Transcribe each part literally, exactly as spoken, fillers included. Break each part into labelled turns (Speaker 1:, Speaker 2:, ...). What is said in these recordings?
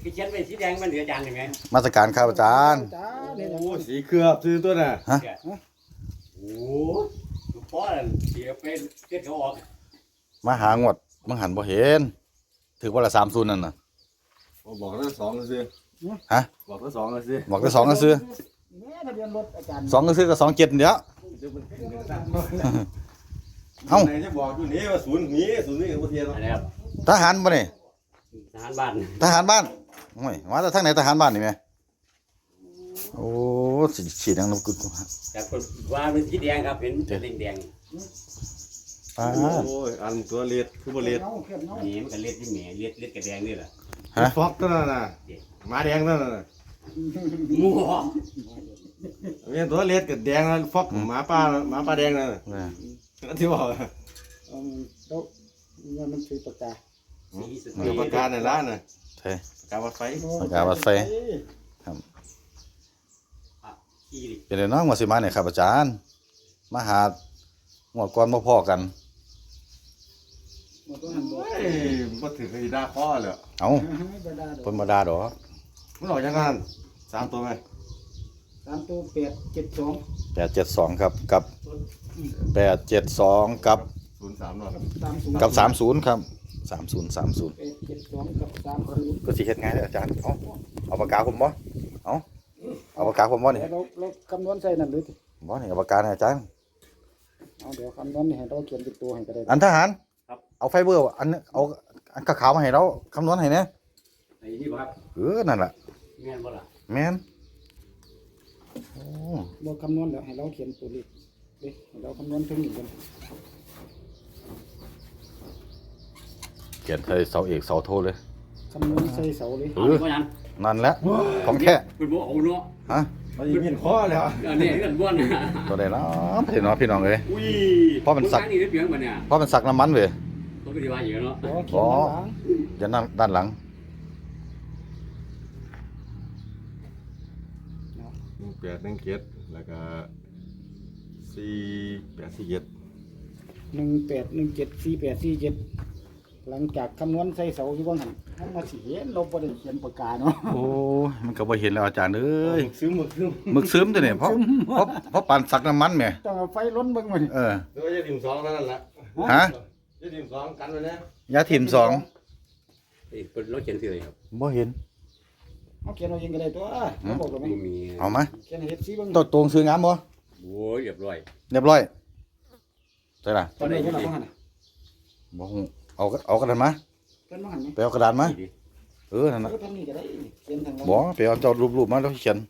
Speaker 1: ที่เขียนเป็นสีแดงมันเหลือจานหนึ่งไง
Speaker 2: มาตรการครับอาจารย์
Speaker 3: โอ้สีเคลือบซื้อตัวน่ะ
Speaker 2: ฮะ
Speaker 1: โอ้ลูกพ่อเสียเป็นเจ็ดเขาออก
Speaker 2: มาหางวดมังหันบ่เห็นถือว่าละสามศูนย์นั่นน่ะ
Speaker 3: บอกทั้งสองก็ซื้อ
Speaker 2: ฮะ
Speaker 3: บอกทั้งสองก็ซื้อ
Speaker 2: บอกแต่สองก็ซื้อ
Speaker 4: แม่ทะเบียนรถอาจารย์
Speaker 2: สองก็ซื้อกับสองเจ็ดเดี๋ยวเอ้า
Speaker 3: ไหนจะบอกอยู่นี่ว่าศูนย์นี้ศูนย์นี้กับเทียน
Speaker 1: อะไรครับ
Speaker 2: ทหารบ่นี่
Speaker 1: ทหารบ้าน
Speaker 2: ทหารบ้านโอ้ยมาจากทางไหนทหารบ้านนี่แม่โอ้สีฉีดดังนกกุด
Speaker 1: แต่คนว่าเป็นสีแดงครับเห็นเป็นแดง
Speaker 2: ป้า
Speaker 3: โอ้ยอันตัวเลียดคือบ่เลียด
Speaker 4: เงาเคลือบเงา
Speaker 1: นี่มันก็เล็ดที่แหม่เล็ดเล็ดกับแดงนี่แหละ
Speaker 2: ฮะ
Speaker 3: ฟอกตัวนั่นน่ะหมาแดงนั่นน่ะ
Speaker 1: มั่ว
Speaker 3: เนี่ยตัวเลียดกับแดงนั่นฟอกหมาป่าหมาป่าแดงนั่นน่ะ
Speaker 2: เนี่ย
Speaker 3: นั่นที่บอก
Speaker 4: เออแล้วมันมันคือปากกา
Speaker 1: สีส
Speaker 3: เกี่ยวกับการในร้านน่ะ
Speaker 2: ใช่
Speaker 3: การวัดไฟ
Speaker 2: ปากกาวัดไฟ
Speaker 1: ขีดิ
Speaker 2: เป็นไงน้องมาสิมาเนี่ยครับอาจารย์มาหาหมวดก่อนมาพ่อกัน
Speaker 4: หมดต้องหันบอก
Speaker 3: เฮ้ยบ่ถือคดีด่าพ่อเลย
Speaker 2: เอ้า
Speaker 4: ไม่ได้ดอก
Speaker 2: เพิ่นบ่ด่าดอก
Speaker 3: มันออกยังกันสามตัวไหม
Speaker 4: สามตัวแปดเจ็ดสอง
Speaker 2: แปดเจ็ดสองครับกับแปดเจ็ดสองกับ
Speaker 3: ศูนย์สามหน่อย
Speaker 4: สามศูนย์
Speaker 2: กับสามศูนย์ครับสามศูนย์สามศูนย์
Speaker 4: แปดเจ็ดสองกับสามศูนย์
Speaker 2: ก็สิเฮ็ดไงเด้ออาจารย์เอาเอาปากกาผมบ่เอาเอาปากกาผมบ่นี่
Speaker 4: แล้วเราเราคำนวณใส่นั่นหรือ
Speaker 2: บ่นี่เอาปากกาให้อาจารย์
Speaker 4: เอาเดี๋ยวคำนวณให้เราเขียนเป็นตัวให้ก็ได้
Speaker 2: อันทหารเอาไฟเบอร์อันเอาอันขาวๆมาให้เราคำนวณให้แหน่
Speaker 1: ไอ้นี่บ่ครับ
Speaker 2: เออนั่นล่ะ
Speaker 1: แม่นบ่ล่ะ
Speaker 2: แม่นโอ้
Speaker 4: เราคำนวณแล้วให้เราเขียนตัวเลขเด้ให้เราคำนวณถึงหนึ่งกัน
Speaker 2: เขียนใส่เสาเอกเสาโทเลย
Speaker 4: คำนวณใส่เสาเลย
Speaker 2: เอ
Speaker 1: เอา
Speaker 2: อ
Speaker 1: ดีกว่านั้น
Speaker 2: นั่นแหละของแค่
Speaker 1: คุณบ่เอาเนาะ
Speaker 2: ฮะ
Speaker 3: มันยิงเห็นข้อแล้ว
Speaker 1: อันนี้เงินบ้วนนะ
Speaker 2: ตัวใดเนาะพี่น้องพี่น้องเอ้ย
Speaker 1: อุ้ย
Speaker 2: เพราะมันสัก
Speaker 1: นี่ได้เปลียงบ่เนี่ย
Speaker 2: เพราะมันสักน้ำมันเว้ย
Speaker 1: ต้องไปดีว่าอยู่เนาะ
Speaker 4: เดี๋ยวเขียนด้านหลัง
Speaker 2: เดี๋ยวนั่นด้านหลัง
Speaker 3: หนึ่งแปดหนึ่งเจ็ดแล้วก็สี่แปดสี่เจ็ด
Speaker 4: หนึ่งแปดหนึ่งเจ็ดสี่แปดสี่เจ็ดหลังจากคำนวณใส่เสาอยู่บ้างหันทำมาสีเห็นเราบ่ได้เขียนปากกาเนาะ
Speaker 2: โอ้ยมันก็บ่เห็นแล้วอาจารย์เอ้ย
Speaker 3: ซื้อหมึกซื้อ
Speaker 2: หมึกซึมตัวเนี่ยเพราะเพราะเพราะปานสักน้ำมันแหม่
Speaker 4: ต้องเอาไฟล้นเบิ่งมัน
Speaker 2: เออ
Speaker 3: ตัวจะถิ่มสองเท่านั้นแหละ
Speaker 2: ฮะ
Speaker 3: จะถิ่มสองกันไว้นะ
Speaker 2: ยาถิ่มสอง
Speaker 1: เอ้ยเพิ่นเราเขียนชื่ออะไรครับ
Speaker 2: บ่เห็น
Speaker 4: เอาเขียนเอาเองก็ได้ตัวเขาบอกเราไหม
Speaker 1: บ่มี
Speaker 2: เอามา
Speaker 4: เขียนให้เฮ็ดสีเบิ่ง
Speaker 2: ตัวตรงซื้องามบ่
Speaker 1: โอ้ยเรียบร้อย
Speaker 2: เรียบร้อยใช่ล่ะ
Speaker 4: ตอนนี้เพิ่นเอาบ่หันน่ะ
Speaker 2: บ่ฮู้เอาเอากระดาษมา
Speaker 4: เพิ่นบ่หันไหม
Speaker 2: ไปเอากระดาษมา
Speaker 1: ดี
Speaker 2: เออนั่น
Speaker 4: เอ
Speaker 2: น่ะ
Speaker 4: อทางนี้ก็ได้เขียนทางหลัง
Speaker 2: บ่ไปเอาเจ้ารูปๆมาแล้วเขียน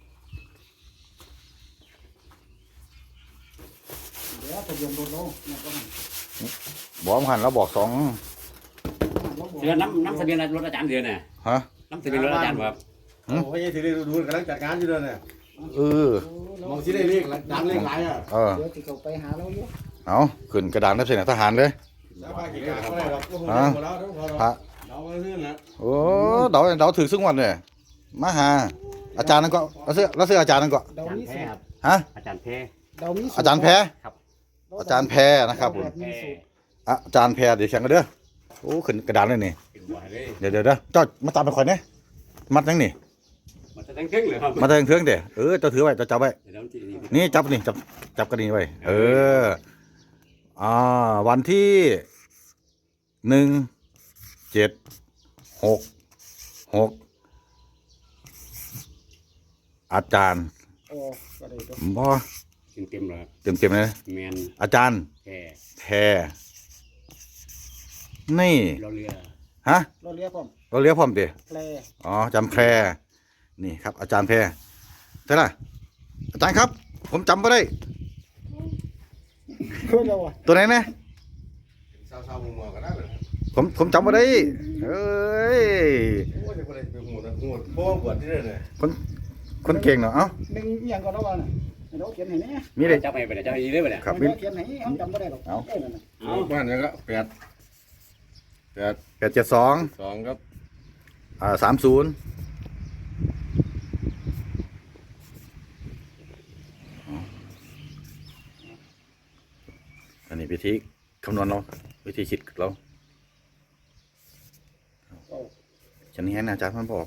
Speaker 4: เดี๋ยวทะเบียนรถเราเนี่ยบ่หัน
Speaker 2: บ่มนหันแล้วบอกสอง
Speaker 4: เราบอก
Speaker 1: เดือนน้ำน้ำทะเบียนรถอาจารย์เดือนน่ะ
Speaker 2: ฮะ
Speaker 1: น้ำทะเบียนรถอาจารย์บ่ครับ
Speaker 2: หืม
Speaker 3: โอ้ยถือได้ดูๆกำลังจัดการอยู่ด้วยเนี่ย
Speaker 2: เออ
Speaker 4: โอ้เรา
Speaker 3: มองที่ได้เลขดังเลขหลายอ่ะ
Speaker 2: เออ
Speaker 4: เดี๋ยวสิเข้าไปหาเราอยู่
Speaker 2: เอาขึ้นกระดานได้เสร็จทหารเลย
Speaker 3: แล้วป้ากี่การก็ได้หรอกก็คง
Speaker 2: ฮะ
Speaker 3: หมดแล้วทั้งพอ
Speaker 2: พระ
Speaker 3: เราก็ซื้อนะ
Speaker 2: โอ้เดาเดาถือซึ่งวันเลยมาหาอาจารย์นั่นก็แล้วเสื้อแล้วเสื้ออาจารย์นั่นก็
Speaker 4: เดา
Speaker 1: อาจาร
Speaker 4: มี
Speaker 1: ย์แพ้
Speaker 4: สูตร
Speaker 1: ครับ
Speaker 2: ฮะ
Speaker 1: อาจารย์แพ้
Speaker 4: เดามีสูต
Speaker 2: อาจารย์แพ้
Speaker 1: ครับ
Speaker 2: อาจารย์แพ้นะครับผม
Speaker 4: มีสูตร
Speaker 2: อ่ะอาจารย์แพ้เดี๋ยวแข่งกันเด้อโอ้ขึ้นกระดานเลยนี่
Speaker 1: เป็นบ่เลย
Speaker 2: เดี๋ยวเดี๋ยวเด้อเจ้ามาตามไปข่อยเนี่ยมัดยังนี่
Speaker 1: มันจะตั้งครึ่งเลยครับ
Speaker 2: มาเทิงเทิงเด้อเออเจ้าถือไว้เจ้าจับไว้
Speaker 1: เดี๋ยวมันจะนี่
Speaker 2: นี่จับนี่จับจับกระดิ่งไว้เอออ่าวันที่หนึ่งเจ็ดหกหกอาจารย์
Speaker 4: โอ้ก็ได้ตัว
Speaker 2: บ่
Speaker 1: เต็มๆเลยครับ
Speaker 2: เต็มเต็มๆเลย
Speaker 1: แมน
Speaker 2: อาจารย์
Speaker 1: แพ้
Speaker 2: แพรนี่
Speaker 1: เราเรือ
Speaker 2: ฮะ
Speaker 4: เราเรียกพร้อม
Speaker 2: เราเรียกพร้อมเด้
Speaker 4: แปล
Speaker 2: อ๋อจำแพรนี่ครับ อาจารย์แพรใช่ล่ะอาจารย์ครับ ผมจำไม่ได้
Speaker 4: เพิ่นเอาอ่ะ
Speaker 2: ตัวไหนนะ
Speaker 3: สาวๆมัวๆก็ได้เลย
Speaker 2: ผมผมจำไม่ได้เอ้ย
Speaker 3: โอ้ยจะคนไหนเป็นหัวนะหัวเพราะว่าบวชที่นั่นน่ะ
Speaker 2: คนคนเก่งเนาะเอ้า
Speaker 4: หนึ่งอหย่างก็เราว่าน่ะให้เราเขียนให้แน่
Speaker 2: มีเลย
Speaker 1: จับไปไปเนี่ยจับไปดีเลยไปเนี่ย
Speaker 2: ครับ
Speaker 4: ให้
Speaker 2: มี
Speaker 4: เราเขียนให้เขาจำบ่ได้หรอก
Speaker 2: เอา
Speaker 4: เอ้ยนั่นน่ะ
Speaker 1: เอา
Speaker 3: บ้านเนี่ยก็แปดแปด
Speaker 2: แปดเจ็ดสอง
Speaker 3: สองครับ
Speaker 2: อ่าสามศูนย์อันนี้วิธีคำนวณเราวิธีคิดเรา
Speaker 4: เอา
Speaker 2: ขียนแห้งนะอาจารย์มันบอก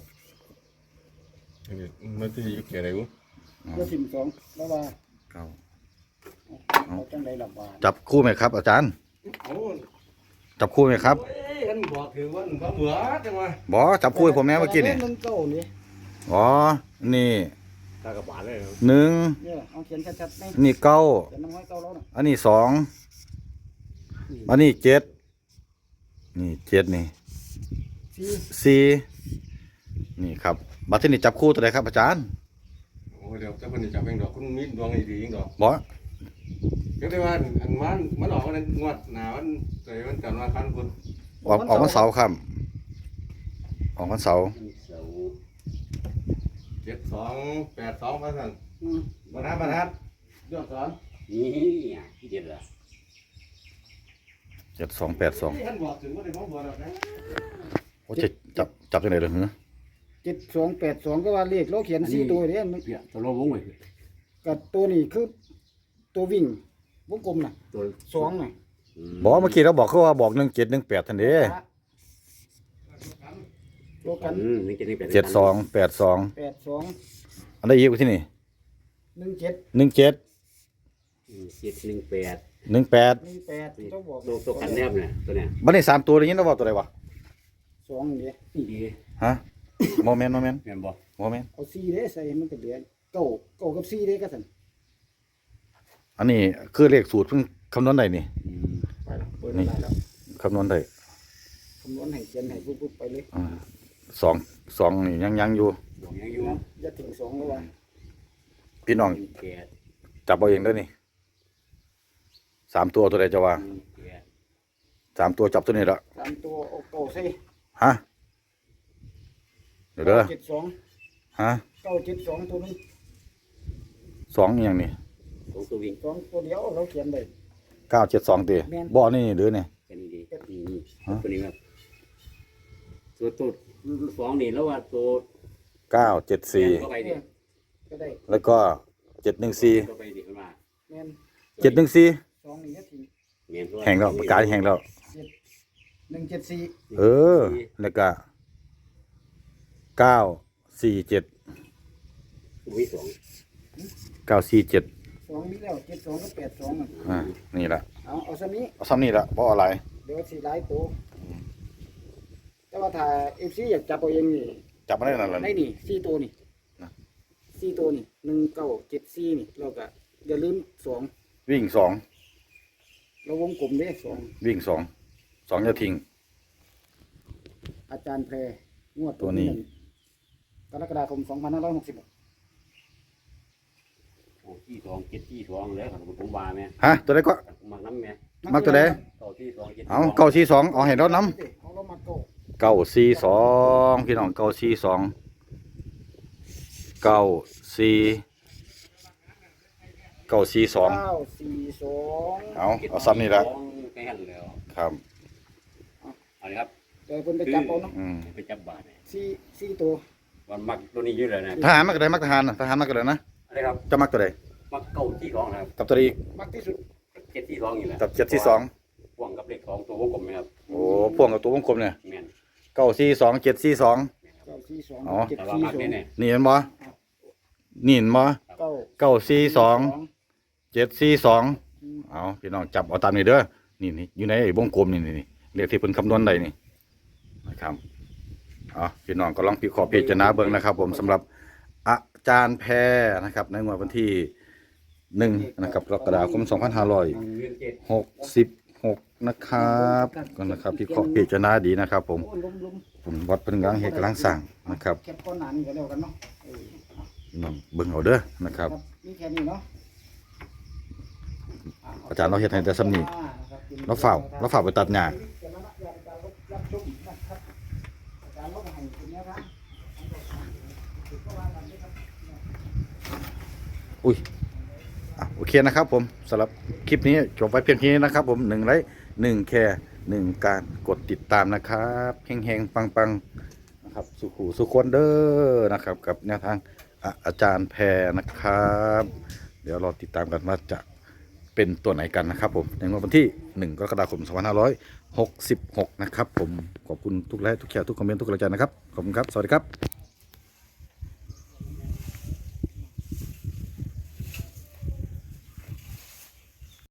Speaker 3: มันที่อยู่แก่ไหนวะ
Speaker 4: เพื่อถิ่มสองแล้วว่า
Speaker 2: เก้า
Speaker 4: เอาจังไดลำบาก
Speaker 2: จับคู่ไหมครับ อาจารย์
Speaker 1: โอ้
Speaker 2: จับคู่ไหมครับ
Speaker 1: ยกันบอกถือว่ามันเหมือจังวะ
Speaker 2: บอจับคู่ให้ผมแน่เมื่อกี้นี่
Speaker 4: หนึ่งเก้านี่
Speaker 2: อ๋อนี่
Speaker 1: ตากระบาดเลย
Speaker 2: หนึ่ง
Speaker 4: เนี่ยเอาเขียนชัดๆไหม
Speaker 2: นี่เก้า
Speaker 4: เขียนน้ำห้อยเก้าแล้วน่ะ
Speaker 2: อันนี้สองอันนี้เจ็ดนี่เจ็ดนี่
Speaker 4: สี่
Speaker 2: สี่นี่ครับบัตรที่นี่จับคู่ตัวไหนครับอาจารย์
Speaker 3: โอ้เดี๋ยวจะเป็นจับเองดอกคุณมีดวงดีๆเองดอก
Speaker 2: บอ
Speaker 3: ก็ได้ว่าอันมันมันออกวันงวดหนาวันใจวันจันทร์วันพันคุณ
Speaker 2: ออกออกวันเสาร์ครับออกวันเสาร์
Speaker 3: เจ็ดสองแปดสองพันสั่น
Speaker 4: อืม
Speaker 3: บรรทัดบรรทัดยอดสอน
Speaker 1: นี่อ่ะที่เด็ดละ
Speaker 2: เจ็ดสองแปดสอง
Speaker 3: ท่านบอกถึงว่าได้บอกบอกแล้วนะ
Speaker 2: โอ้จะจับจับยังไงเลยเหรอ
Speaker 4: เจ็ดสองแปดสองก็ว่าเลขเราเขียนสี่ตัวเนี่ยมัน
Speaker 1: เปียตัวลงวงไว้
Speaker 4: กับตัวนี้คือตัววิ่งวงกลมน่ะ
Speaker 1: ตัว
Speaker 4: สองน่ะ
Speaker 2: บอกเมื่อกี้เราบอกเขาว่าบอกหนึ่งเจ็ดหนึ่งแปดทันเดี
Speaker 4: ตัวกัน
Speaker 1: อืมนี่จะนี่เป็น
Speaker 2: เจ็ดสองแปดสอง
Speaker 4: แปดสอง
Speaker 2: อันได้ยิบที่นี่
Speaker 4: หนึ่งเจ็ด
Speaker 2: หนึ่งเจ็ด
Speaker 1: เจ็ดหนึ่งแปด
Speaker 2: หนึ่งแปด
Speaker 4: หนึ่งแปดเจ้าบอก
Speaker 1: ตัวตัวกันแนบเนี่ยตัวเนี้ย
Speaker 2: บันนี้สามตัวได้ยินเราบอกตัวไหนวะ
Speaker 4: สองเดียว
Speaker 1: นี่ดี
Speaker 2: ฮะโมเมนต์โมเมนต์
Speaker 1: เห็นบ่
Speaker 2: โมเมนต์
Speaker 4: เอาสี่เด้ใส่มันก็เหลือเก้าเก้ากับสี่เด้ก็สั่น
Speaker 2: อันนี้คือเลขสูตรเพิ่งคำนวณได้นี่
Speaker 1: อืม
Speaker 4: ไปแล้วเปิดได้แล้ว
Speaker 2: คำนวณได้
Speaker 4: คำนวณให้เขียนให้ปุ๊บๆไปเลย
Speaker 2: อ่าสองสองนี่ยังยังอยู่
Speaker 1: บอกยังอยู่
Speaker 4: อย่าถึงสองแล้วว่า
Speaker 2: พี่น้อง
Speaker 1: หนึ่งแปด
Speaker 2: จับเอาเองเด้วยนี่สามตัวตัวใดจะว่า
Speaker 1: หนึ่งแปด
Speaker 2: สามตัวจับตัวนี้ละ
Speaker 4: สามตัวเอาเก้าใส่
Speaker 2: ฮะเดี๋ยวเด้อ
Speaker 4: เจ็ดสอง
Speaker 2: ฮะ
Speaker 4: เก้าเจ็ดสองตัวนึง
Speaker 2: สองอหย่างนี้
Speaker 1: สองตัววิ่ง
Speaker 4: สองตัวเดียวเราเขียนได้
Speaker 2: เก้าเจ็ดสองตี
Speaker 4: แม่น
Speaker 2: บ่อนี่หรือเนี่ย
Speaker 1: แค่นี้ดีนี่นี่ตัวนี้ครับตัวตัวสองนี่แล้วว่าตัว
Speaker 2: เก้าเจ็ดสี่
Speaker 1: เข้าไปดิ
Speaker 4: ก็ได้
Speaker 2: แล้วก็เจ็ดหนึ่งสี่
Speaker 1: เข้าไปดิขึ้นมา
Speaker 4: แม่น
Speaker 2: เจ็ดหนึ่งสี่
Speaker 4: สองนี่ก็ถึง
Speaker 1: เมียน
Speaker 2: แห่งแล้วประกาศแห่งแล้ว
Speaker 4: หนึ่งเจ็ดสี่
Speaker 2: เออแล้วก็เก้าสี่เจ็ด
Speaker 1: วิสอง
Speaker 2: เก้าสี่เจ็ด
Speaker 4: สองมีแล้วเจ็ดสองก็แปดสองอ่ะ
Speaker 2: อ่านี่ละ
Speaker 4: เอาเอาซะนี้
Speaker 2: เอาซ้ำนี่ละเพราะอะไร
Speaker 4: เดี๋ยวสี่หลายตัวแต่ว่าถ้าเอฟซีอยากจับเอาเองนี่
Speaker 2: จับมาได้นั่นแหละ
Speaker 4: ได้นี่สี่ตัวนี่
Speaker 2: นะ
Speaker 4: สี่ตัวนี่หนึ่งเก้าเจ็ดสี่นี่เราก็อย่าลืมสอง
Speaker 2: วิ่งสอง
Speaker 4: เราวงกลมเด้สอง
Speaker 2: วิ่งสองสองจะทิ้ง
Speaker 4: อาจารย์แพรงวด
Speaker 2: ตัวนี้
Speaker 4: หงกรกฎาคมสองพันห้าร้อยหกสิบ
Speaker 1: โอ้ที่สองเจ็ดที่สองแล้วครับผมว่าแม่
Speaker 2: ฮะตัวใดก็
Speaker 1: มักน้ำแม่
Speaker 2: มักตัวใด
Speaker 1: ต่อที่สองเจ็ด
Speaker 2: เอาเก้าสี่สองเอาให้เราน้
Speaker 4: เอาเรามาเก้า
Speaker 2: ำเก้าสี่สองพี่น้องเก้าสี่สองเก้าสี่เก้าสี่สอง
Speaker 4: เก้าสี่สอง
Speaker 2: เอาเอาซ้ำนี่ละ
Speaker 1: แค่นั้นแล้ว
Speaker 2: ครับ
Speaker 1: เอาเลยครับ
Speaker 4: เดี๋ยวเพิ่นไปจับเอาเนาะ
Speaker 2: อืม
Speaker 1: ไปจับบาทเนี่ย
Speaker 4: สี่สี่ตัว
Speaker 1: วันมักตัวนี้เยอะเลยนะ
Speaker 2: ทหารมักตัวใดมักทหารน่ะทหารมักตัวใดนะ
Speaker 1: อะไรครับ
Speaker 2: จะมักตัวใด
Speaker 1: มักเก้าที่สองนะครับ
Speaker 2: กับตัวอีก
Speaker 4: มักที่สุด
Speaker 1: เจ็ดที่สองอยู่แหละ
Speaker 2: กับเจ็ดที่สอง
Speaker 1: พ่วงกับเลขสองตัววงกลมนะครับ
Speaker 2: โอ้พ่วงกับตัววงกลมเนี่ย
Speaker 1: แม่น
Speaker 2: เก้าสี่สองเจ็ดสี่สอง
Speaker 4: เก้าสี่สอง
Speaker 2: อ๋อ
Speaker 4: เจ็ด
Speaker 1: แต่ว่า
Speaker 4: สี่
Speaker 1: มัก
Speaker 4: สอง
Speaker 1: เนี่ยเนี่ย
Speaker 2: นี่เห็นบ่นี่เห็นบ่
Speaker 4: เก้า
Speaker 2: เก้าสี่สองเจ็ดสี่สองเอาพี่น้องจับเอาตามนี้เด้อนี่นี่อยู่ในไอ้วงกลมนี่นี่นี่เรียกที่เพิ่นคำนวณได้นี่นะครับเอาพี่น้องก็ลองพิเคราะห์พิจารณาเบิ่งนะครับ ผมสำหรับอาจารย์แพรนะครับ ในงวดวันที่หนึ่งนะครับกรกฎาคมสองพันห้าร้อย
Speaker 1: หนึ่งเงินเจ็ด
Speaker 2: หกสิบหกนะครับก็นะครับพิเคราะห์พิจารณาดีนะครับ ผม
Speaker 4: โอ้ยล้มล้ม
Speaker 2: ผมวัดเป็นกลางเหตุกำลังสั่งนะครับ
Speaker 4: แคปก้อนหนานี่ก็แล้วกันเนาะเออ
Speaker 2: พี่น้องเบิ่งเอาเด้อนะครับ
Speaker 4: ครับมีแค่นี้เนาะ
Speaker 2: อาจารย์เราเฮ็ดให้แต่ซ้ำนี่เราเฝ้าเราเฝ้าไปตัดหญ้าอุ้ยอ่ะโอเคนะครับ ผมสำหรับคลิปนี้จบไว้เพียงแค่นี้นะครับ ผมหนึ่งไลค์หนึ่งแค่หนึ่งการกดติดตามนะครับเฮงๆปังๆนะครับสุขูสุขคนเด้อนะครับ กับแนวทางอ่ะอาจารย์แพรนะครับ เดี๋ยวเราติดตามกันว่าจะเป็นตัวไหนกันนะครับผมในวันที่หนึ่งกรกฎาคมสองพันห้าร้อยหกสิบหกนะครับผมขอบคุณทุกไลค์ทุกแชร์ทุกคอมเมนต์ทุกกำลังใจนะครับขอบคุณครับสวัสดีครับ